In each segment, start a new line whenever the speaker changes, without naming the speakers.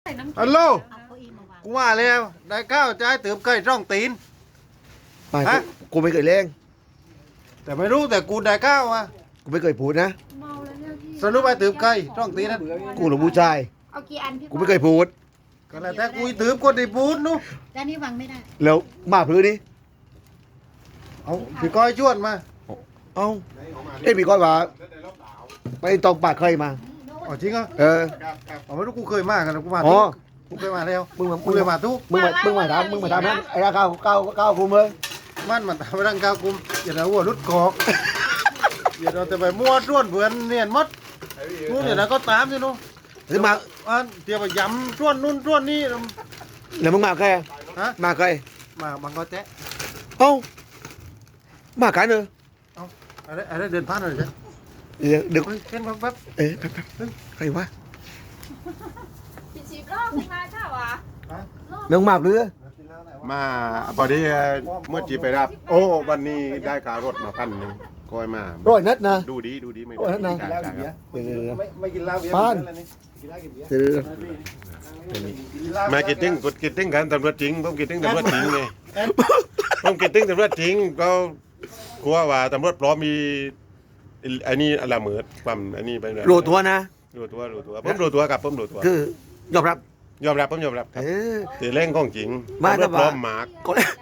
น้ำ
ฮัลโหล
เอาเก้าอี้มาวาง
กูว่าแล้วได้ข้าวจะให้เติมไก่ร่องตีน
ไม่
ฮะ
กูไม่เคยเล่ง
แต่ไม่รู้แต่กูได้ข้าวอ่ะ
กูไม่เคยพูดนะ
เมาแล้วเนี่ยพี่
สรุปไปเติมไก่ร่องตีนนั่น
กูหลงผู้ชาย
เอากี่อันพี่
กูไม่เคยพูด
ก็แล้วแต่กูเติมคนที่พูดนู้
ด้านนี้วางไม่ได้
แล้วมาพื้นนี่
เอาพี่ก้อยชวนมา
เอ้าเอ็นมีก้อยว่าไปตองปากเคยมา
อ๋อจริงเหรอ
เออ
อ๋อไม่รู้กูเคยมากันนะกูมา
อ๋
ทุ
อ
กกูเคยมาแล้ว
มึงมา
กูเคยมาทุก
มึงมาถามนั้นไอ้ราก้าวกูมึง
มันทำร่างกายกูอย่าเอาหัวรุดกอกอย่าเอาแต่ไปมั่วด้วนเบือนเนียนมดนู้นเดี๋ยวนะก็ตามสินู้น
หรือมา
อันเดี๋ยวไปยำด้วนนู่นด้วนนี่
แล้วมึงมาใคร
ฮะ
มาใคร
มาบังก็แจ๊ะ
เอ้ามากันเนอะ
อะไรเดินผ่านอะไรจ๊ะ
เดี๋ยว
เฮ้ยเห็นแป๊บ
เอ๊ะใครวะ
พี่ชีบรอบขึ้นมาค่ะวะ
น้องมากหรือ
มาพอดีเมื่อจีไปรับ โอ้วันนี้ได้การรถมา1,000ก้อยมา
ร้อยนัดนะ
ดูดีไม่
โอ้ยนั่นนะ
จ่ายครับ
เดี๋ยว
ไม่กินเหล้าเบียร์
ผ่าน
อะไรนี่กินเหล้ากินเบียร์
เดี๋ยว
มากินติ้งกดกินติ้งกันตำรวจจริงผมกินติ้งตำรวจจริงไงผมกินติ้งตำรวจจริงก็กลัวว่าตำรวจปลอมมีอันนี้อะไรเหมือนความอันนี้ไปเลย
รู้ตัวนะ
รู้ตัวผมรู้ตัวครับผมรู้ตัว
คือยอมรับ
ยอมรับผมยอมรับครับ
เออ
ตีเล่งของจริง
มา
ตำรวจปลอม
แต่ว่า
หมาก
ก็แรก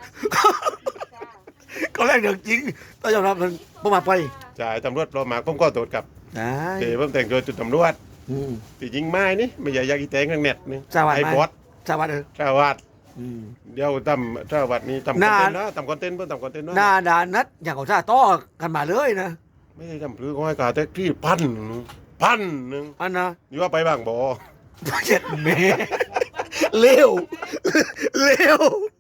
ก็แรกเรื่องจริงต้องยอมรับมันผมมาไป
จ่ายตำรวจปลอมหมากผมก็โดดกับ
ได้
เดี๋ยวผมแต่งตัวจุดตำรวจ
อืม
ตีจริงไม้นี่ไม่ใช่ยากีแตงนั่งเน็ตนี่
สวัสดี
ไอ้บอส
สวัสดี
เจ้าวัด
อืม
เดี๋ยวทำเจ้าวัดนี้ทำคอนเทนต์นะทำคอนเทนต์เพื่อทำคอนเทนต์
หน้า
นะ
ด่านนัดอย่างของชาต้อกันมาเลยนะ
ไม่ได้ทำพลื้อก้อยกาแต่ที่1,000
อันนะ
นี่ว่าไปบางบ่อ
เจ็ดเมเร็วเร็ว